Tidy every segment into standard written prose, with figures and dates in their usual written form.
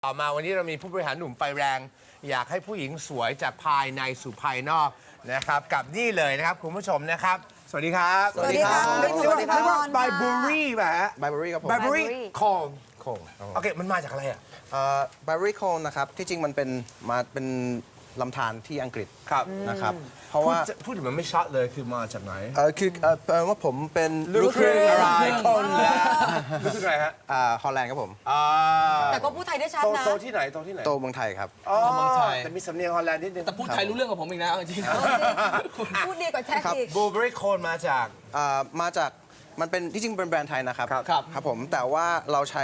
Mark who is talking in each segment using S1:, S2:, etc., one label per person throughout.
S1: ต่อมาวันนี้เรามีผู้บริหารหนุ่มไฟแรงอยากให้ผู้หญิงสวยจากภายในสู่ภายนอกนะครับกับนี่เลยนะครับคุณผู้ชมนะครับสวัสดีครับ
S2: สวัสดีครับ
S1: เรียกว่าไบเบอรี่ป่ะฮะ
S2: ไบเบอรี่ครับผม
S1: ไบเบอรี่โคม
S2: โคง
S1: โอเคมันมาจากอะไรอ่ะ
S2: ไบเบอรี่โคงนะครับที่จริงมันเป็นลำธารที่อังกฤษ
S1: ครับ
S2: นะครับเพราะว่า
S1: พูดถึงมันไม่ชัดเลยคือมาจากไหน
S2: คือว่าผมเป็น
S1: ลูกครึ่งอะไรคนแล้วลูกครึ่งอะไรฮะ
S2: ฮอลแลนด์ครับผม
S3: แต่ก็พูดไทยได้ชัดนะ
S1: โตที่ไหนโตที่ไหน
S2: โตเมืองไทยครับ
S1: เมืองไทยแต่มีสำเนียงฮอลแลนด์นิดนึง
S4: แต่พูดไทยรู้เรื่องกับผมอีกนะเอาจริง
S3: พูดดีกว่าแท็กอีก
S1: บลูเบอรี่โคนมาจาก
S2: มาจากมันเป็นที่จริงเป็นแบรนด์ไทยนะครับ
S1: ครับ
S2: ครับผมแต่ว่าเราใช้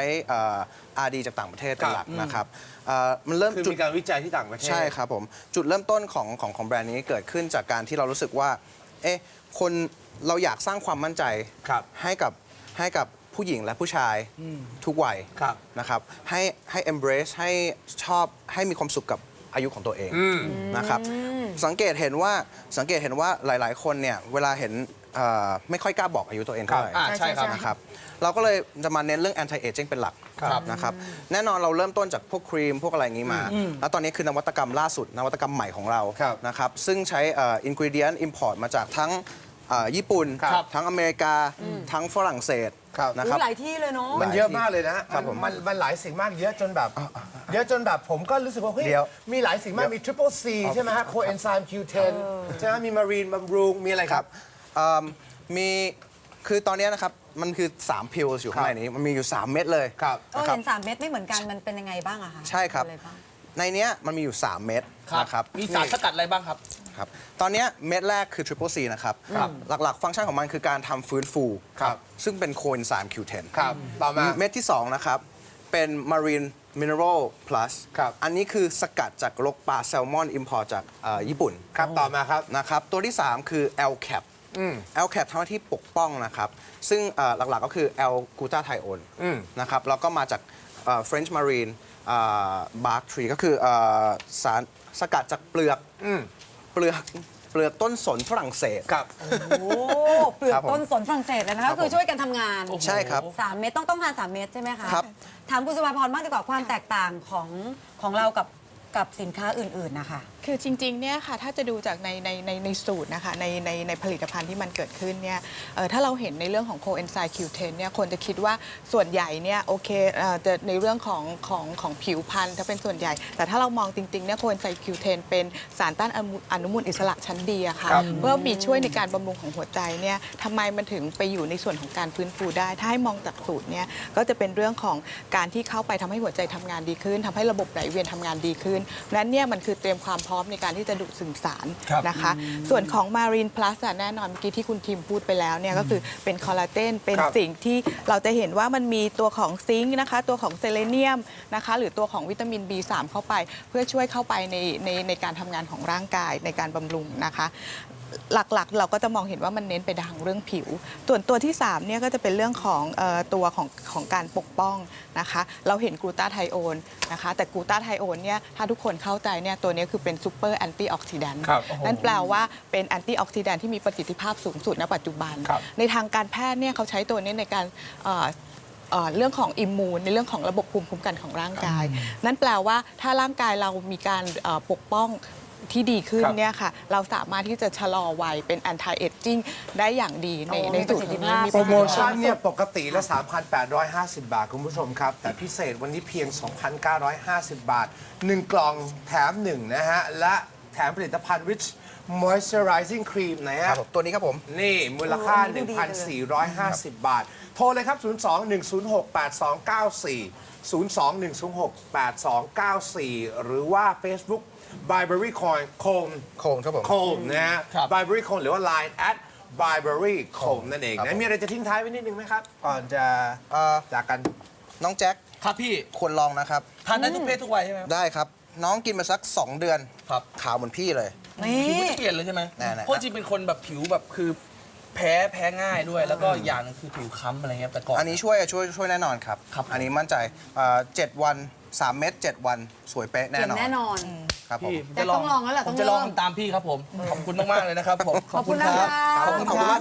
S2: RD จากต่างประเทศเป็นหลักนะครับมันเริ่ม
S1: คือ
S2: จุด
S1: มีการวิจัยที่ต่างประเทศ
S2: ใช่ครับผมจุดเริ่มต้นของแบรนด์นี้เกิดขึ้นจากการที่เรารู้สึกว่าคนเราอยากสร้างความมั่นใจ
S1: ครับ
S2: ให้กับผู้หญิงและผู้ชายทุกวัย
S1: ครับ
S2: นะครับให้ embrace ให้ชอบให้มีความสุขกับอายุของตัวเองนะครับสังเกตเห็นว่าหลายๆ คนเนี่ยเวลาเห็นไม่ค่อยกล้าบอกอายุตัวเองเท่าไหร่
S4: ใช่ครับ
S2: นะครับเราก็เลยจะมาเน้นเรื่อง anti aging เป็นหลัก
S4: ครับ
S2: นะครับแน่นอนเราเริ่มต้นจากพวกครีมพวกอะไรอย่างนี้มา แล้วตอนนี้คือนวัตกรรมล่าสุดนวัตกรรมใหม่ของเรา
S1: ครับ
S2: นะครับซึ่งใช้ ingredient import มาจากทั้งญี่ปุ่น
S1: ครับ
S2: ทั้งอเมริกาทั้งฝรั่งเศส
S1: ครับ
S2: นะครับ
S3: หลายที่เลยเนาะ
S1: มันเยอะมากเลยนะ
S2: ครับผม
S1: มันหลายสิ่งมากเยอะจนแบบผมก็รู้สึกว่าเฮ้ย
S2: เดี๋ยว
S1: มีหลายสิ่งมากมี Triple C ใช่ไหมฮะ Coenzyme Q10 ใช่ไหมมี Marine บำรุงมีอะไรครับ
S2: มีคือตอนนี้นะครับมันคือ3พิลอยู่ข้างในนี้มันมีอยู่3เม็ดเลย
S1: ครับ
S2: นะครับ
S3: เห็น3 เม็ดไม่เหมือนกันมันเป็นยังไงบ้างอะคะ
S2: ใช่ครับ
S3: อะไาง
S2: ในเนี้ยมันมีอยู่3เม็ด
S4: ครับ
S2: นะครับ
S4: มีสารสกัดอะไรบ้างครับ
S2: ครับตอนเนี้ยเม็ดแรกคือ Triple C นะครับหลักๆ ฟังก์ชันของมันคือการทำฟื้นฟู
S1: ครับ
S2: ซึ่งเป็นโคเอนไซม์ Q10
S1: ครับต่อมา
S2: เม็ดที่ 2 นะครับ เป็น Marine Mineral Plus
S1: ครับ
S2: อันนี้คือสกัดจากลกปลาแซลมอน import จากญี่ปุ่น
S1: ครับต่อมาครับ
S2: นะครับตัวที่ 3 คือ L-Cap L-Cap ทำหน้าที่ปกป้องนะครับ ซึ่งหลักๆก็คือ L-glutathione นะครับแล้วก็มาจากFrench Marine Bark Tree ก็คือสารสกัดจากเปลือกต้นสนฝรั่งเศส
S1: ครับ
S3: โอ้เปลือกต้นสนฝรั่งเศสเลยนะคะก็คือช่วยกันทำงาน
S2: ใช่ครับ
S3: 3 เม็ดต้องทาน3 เม็ดใช่ไหมคะ
S2: ครับ
S3: ถามคุณสุภาพรบ้างดีกว่าความแตกต่างของเรากับสินค้าอื่นๆนะคะ
S5: คือจริงๆ เนี่ยค่ะ ถ้าจะดูจากในสูตรนะคะในผลิตภัณฑ์ที่มันเกิดขึ้นเนี่ยถ้าเราเห็นในเรื่องของ Coenzyme Q10 เนี่ยคนจะคิดว่าส่วนใหญ่เนี่ยโอเคจะในเรื่องของผิวพรรณถ้าเป็นส่วนใหญ่ แต่ถ้าเรามองจริงๆ เนี่ย Coenzyme Q10 เป็นสารต้านอนุมูลอิสระชั้นดีอะค่ะ เพื่อมีช่วยในการบำรุงของหัวใจเนี่ยทำไมมันถึงไปอยู่ในส่วนของการฟื้นฟูได้ ถ้าให้มองจากสูตรเนี่ยก็จะเป็นเรื่องของการที่เข้าไปทำให้หัวใจทำงานดีขึ้นทำให้ระบบไหลเวียนทำงานดีขึ้นนั้นเนี่ยมันคือเตรียมความพร้อมในการที่จะดูดซึมสารนะคะ ส่วนของ Marine Plus แน่นอนเมื่อกี้ที่คุณทีมพูดไปแล้วเนี่ยก็คือเป็นคอลลาเจนเป็นสิ่งที่เราจะเห็นว่ามันมีตัวของซิงค์นะคะตัวของเซเลเนียมนะคะหรือตัวของวิตามิน B3 เข้าไปเพื่อช่วยเข้าไปในการทำงานของร่างกายในการบำรุงนะคะหลักๆเราก็จะมองเห็นว่ามันเน้นไปทางเรื่องผิวส่วนตัวที่3เนี่ยก็จะเป็นเรื่องของตัวของการปกป้องนะคะเราเห็นกลูตาไทโอนนะคะแต่กลูตาไทโอนเนี่ยถ้าทุกคนเข้าใจเนี่ยตัวนี้คือเป็นซูเปอร์แอนตี้ออกซิแดนต์นั่นแปลว่าเป็นแอนตี้ออกซิแดนต์ที่มีประสิทธิภาพสูงสุดณปัจจุบันในทางการแพทย์เนี่ยเขาใช้ตัวนี้ในการเรื่องของอิมมูนในเรื่องของระบบภูมิคุ้มกันของร่างกายนั่นแปลว่าถ้าร่างกายเรามีการปกป้องที่ดีขึ้นเนี่ยค่ะเราสามารถที่จะชะลอวัยเป็น anti aging ได้อย่างดีในสูตรนี้
S1: โปรโมชั่นเนี่ยปกติละ 3,850 บาท คุณผู้ชมครับ แต่พิเศษวันนี้เพียง 2,950 บาท 1 กล่องแถม 1 นะฮะ และแถมผลิตภัณฑ์ Rich Moisturizing Cream นะ
S2: ค
S1: ฮะ
S2: รับผมตัวนี้ครับผม
S1: นี่มูลค่า
S3: โอ้ดูดีเลย
S1: 1,450 บาท โทรเลยครับ 02-106-8294 หรือว่า Facebook Byberry Coin โคม
S2: โคงครับผม
S1: โคมนะฮะ
S4: ครับ
S1: Byberry Coin หรือว่า Line @Byberry โคมนั่นเอง
S2: ครับ
S1: นะ มีอะไรจะทิ้งท้ายไว้นิดนึงไหมครับ ก่อนจะจากกัน
S2: น้องแจ็ค
S4: ครับพี่
S2: ควรลองนะครับ
S4: ทานได้ทุกเพศทุกวัยใช่ไหม
S2: ได้ครับ น้องกินมาสัก 2 เดือน
S4: ครับ
S2: ขาวเหมือนพี่เลย
S4: ผิว
S3: นี่
S4: ก็จะเปลี่ยนเลยใช่ไหม
S2: แน่ๆ
S4: เพราะจริงเป็นคนแบบผิวแบบคือแพ้ง่ายด้วย แล้วก็อย่างหนึงคือผิวค้ำอะไรเงี้ยแต่ก่อน
S2: อันนี้ช่วยแน่นอนครับ
S4: ครับ
S2: อันนี้มั่นใจ7 วัน 3 เม็ด7 วันสวยเป๊ะแน่
S3: เก่ง
S2: นอน
S3: แน่นอน
S2: ครับผม
S4: พี่
S3: แต่ต้องลองแล้วแหละ
S4: ผม
S3: ต้อง
S4: จะลอง
S3: เริ่ม
S4: ทำตามพี่ครับผม ขอบคุณมากๆเลยนะครับผม
S3: ขอบคุณนะคะ
S4: ขอบคุณครับ